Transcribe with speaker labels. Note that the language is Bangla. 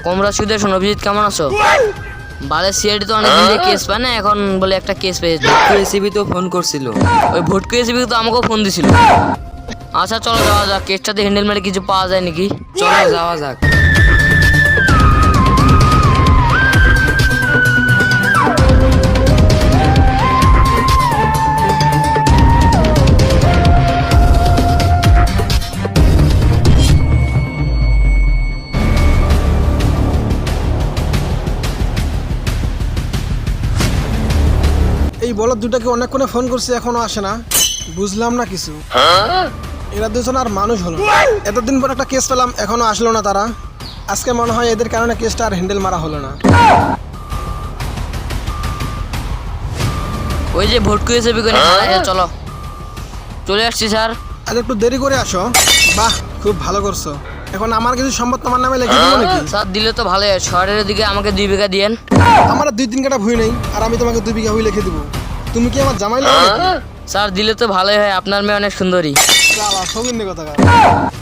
Speaker 1: কমরাসুদের শোনো, অভিজিৎ কেমন আছো? বালের সিআইডি তো অনেকদিন দিয়ে কেস পায় না, এখন বলে একটা কেস পেয়েছে।
Speaker 2: এসিবি তো ফোন করছিল।
Speaker 1: ওই ভোটকো এসিবি তো আমাকেও ফোন দিছিল। আচ্ছা চলো যাওয়া যাক, কেসটাতে হ্যান্ডেল মেরে কিছু পাওয়া যায় নাকি।
Speaker 2: চলো যাওয়া যাক।
Speaker 3: এই বলদ দুটাকে অনেকক্ষণে ফোন করছি, এখনো আসে না। বুঝলাম না কিছু। এরা দুজন আর মানুষ হলো না। এতদিন পর একটা কেস পেলাম, এখনো আসলো না তারা। আজকে মনে হয় এদের কারণে কেসটা আর হ্যান্ডেল মারা হলো না।
Speaker 1: ওই যে ভোটকো এসিবি কোনে, চলো চলে আসছি স্যার।
Speaker 3: আর একটু দেরি করে আসো। বাহ, খুব ভালো করছো। এখন আমার কিছু সম্পদ তোমার নামে লিখে দিব নাকি?
Speaker 1: স্যার দিলে তো ভালো হয়, শহরের দিকে আমাকে 2 বিঘা দিয়েন।
Speaker 3: আমার 2-3 কাটা ভুই নেই, আর আমি তোমাকে 2 বিঘা ভুই লিখে দিব। তুমি কি আমার জামাই লাগবে?
Speaker 1: স্যার দিলে তো ভালোই হয়, আপনার মেয়ে অনেক সুন্দরী।
Speaker 3: সৌগিন্দি কথা।